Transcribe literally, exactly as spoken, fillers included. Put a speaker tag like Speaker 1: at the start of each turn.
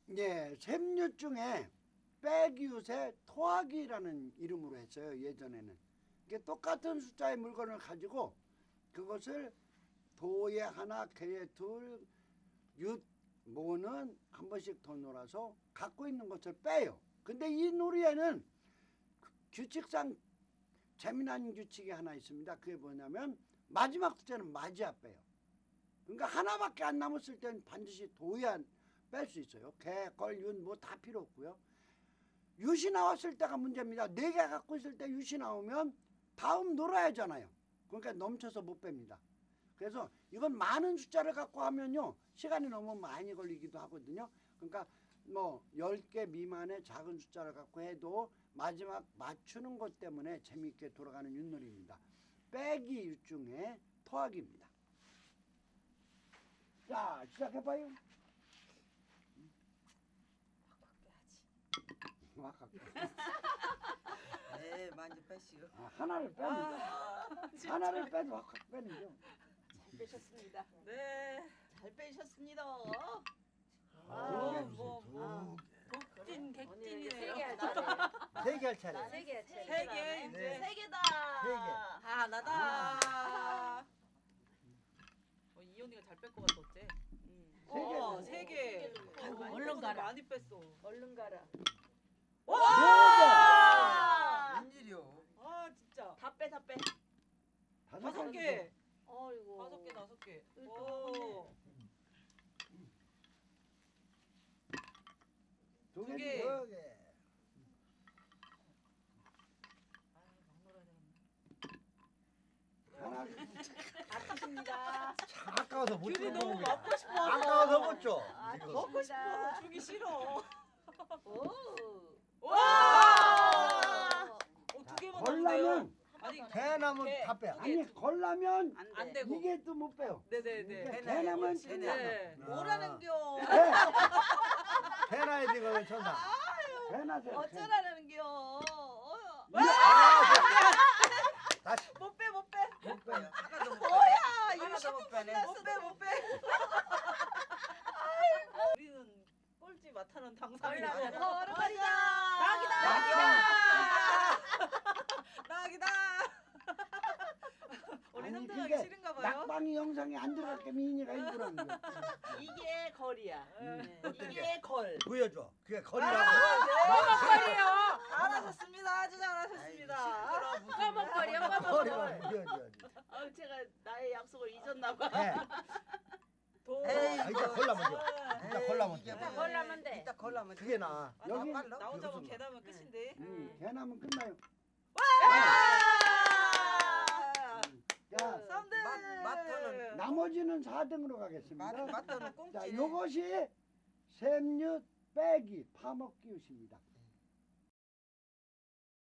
Speaker 1: 예, 샘윷 중에 빼기윷에 토하기라는 이름으로 했어요. 예전에는. 이게 똑같은 숫자의 물건을 가지고 그것을 도에 하나, 개에 둘, 윷, 모는 한 번씩 더 놀아서 갖고 있는 것을 빼요. 근데 이 놀이에는 규칙상 재미난 규칙이 하나 있습니다. 그게 뭐냐면 마지막 숫자는 맞이야 빼요. 그러니까 하나밖에 안 남았을 때는 반드시 도야 뺄 수 있어요. 개, 걸, 윷 뭐 다 필요 없고요. 윷이 나왔을 때가 문제입니다. 네 개 갖고 있을 때 윷이 나오면 다음 놀아야 하잖아요. 그러니까 넘쳐서 못 뺍니다. 그래서 이건 많은 숫자를 갖고 하면요 시간이 너무 많이 걸리기도 하거든요. 그러니까 뭐 열 개 미만의 작은 숫자를 갖고 해도 마지막 맞추는 것 때문에 재미있게 돌아가는 윷놀이입니다. 빼기 윷 중에 토하기입니다. 자, 시작해봐요. 확 확 빼야지.
Speaker 2: 네, 많이 빼시오.
Speaker 1: 아, 하나를 빼면
Speaker 3: 아,
Speaker 1: 하나를 빼도 확 확 빼는 거.
Speaker 3: 잘 빼셨습니다.
Speaker 2: 네.
Speaker 3: 잘 빼셨습니다.
Speaker 1: 아,
Speaker 3: 아,
Speaker 1: 뭐,
Speaker 3: 뭐,
Speaker 2: 객진 객진이네요.
Speaker 3: 세개 할
Speaker 4: 세 개 할 차례.
Speaker 3: 세개 할 차례.
Speaker 2: 세 개, 이제.
Speaker 4: 네.
Speaker 3: 세 개다.
Speaker 4: 세 개.
Speaker 2: 하나다. 어, 이 언니가 잘 뺄 것 같아 어째?
Speaker 1: 세 개.
Speaker 2: 어, 세 개.
Speaker 3: 아이고,
Speaker 2: 많이
Speaker 3: 얼른
Speaker 2: 뺐어,
Speaker 3: 가라.
Speaker 2: 많이 뺐어.
Speaker 3: 얼른 가라.
Speaker 2: 와!
Speaker 4: 웬일이요?
Speaker 2: 아 진짜.
Speaker 3: 다 빼, 다 빼.
Speaker 1: 다섯
Speaker 2: 다섯
Speaker 1: 개.
Speaker 2: 개.
Speaker 3: 어이구.
Speaker 2: 다섯 개, 다섯 개.
Speaker 3: 또
Speaker 2: 오.
Speaker 1: 두
Speaker 2: 두
Speaker 1: 개.
Speaker 2: 개.
Speaker 4: 두 개.
Speaker 2: 아유, 막 놀아야 되겠네.
Speaker 1: 하나.
Speaker 3: 아프십니다.
Speaker 4: 참 아까워서 못
Speaker 2: 귤이
Speaker 4: 주는
Speaker 2: 너무
Speaker 4: 겁니다.
Speaker 2: 먹고 싶어.
Speaker 4: 아까워서 못 줘.
Speaker 3: 아,
Speaker 4: 이거.
Speaker 2: 먹고 싶어서 주기 싫어.
Speaker 3: 오.
Speaker 2: 와! 어, 두 개만 넣으면 돼요.
Speaker 1: 걸라면
Speaker 2: 아니,
Speaker 4: 대나무
Speaker 2: 개.
Speaker 4: 다 빼.
Speaker 1: 아니 걸라면
Speaker 2: 안 되고.
Speaker 1: 이게 또 못 빼요.
Speaker 2: 네네네.
Speaker 1: 이게 대나면
Speaker 2: 네.
Speaker 1: 끝나.
Speaker 2: 네.
Speaker 4: 아.
Speaker 3: 뭐라는겨?
Speaker 1: 네.
Speaker 4: 대나야 지금 천사.
Speaker 1: 대나세요.
Speaker 3: 어쩌라는겨? 어.
Speaker 4: 다시
Speaker 2: 못 빼, 못 빼.
Speaker 4: 못 빼.
Speaker 2: 하나도 못 빼.
Speaker 3: 뭐야?
Speaker 2: 하나도 못 빼네. 못 빼, 못 빼. 우리는 꼴찌 맡아는 당상이다.
Speaker 3: 걸어가자.
Speaker 2: 낙이다.
Speaker 3: 낙이다.
Speaker 2: 낙이다. 우리
Speaker 1: 아니,
Speaker 2: 현장하기
Speaker 1: 그게
Speaker 2: 싫은가 봐요.
Speaker 1: 낙방이 영상에 안 들어갈게 미인이가 일부러 한 거야.
Speaker 3: 이게 걸이야.
Speaker 2: 네.
Speaker 3: 이게 걸.
Speaker 4: 보여줘. 그게 거리라고.
Speaker 2: 먹거리요. 잘하셨습니다. 아주 잘하셨습니다.
Speaker 3: 꺼먹거리야,
Speaker 4: 거리라고 보여줘야지.
Speaker 3: 아, 제가 나의 약속을 잊었나 봐.
Speaker 4: 해.
Speaker 2: 도.
Speaker 4: 에이, 아, 이따 골라면 돼. 이따 골라면 돼.
Speaker 3: 이따 걸라면 돼.
Speaker 2: 이따 걸라면 돼.
Speaker 4: 그게 나.
Speaker 2: 아,
Speaker 1: 여기-
Speaker 2: 나, 나 혼자만
Speaker 4: 여기서
Speaker 2: 계단면 끝인데.
Speaker 1: 음, 대나면 끝나요. 자,
Speaker 2: 쌈들.
Speaker 5: 마트는
Speaker 1: 나머지는 사 등으로 가겠습니다.
Speaker 5: 마트는
Speaker 1: 자,
Speaker 5: 꽁치네.
Speaker 1: 요것이 샘윷 빼기 파먹기 윷입니다.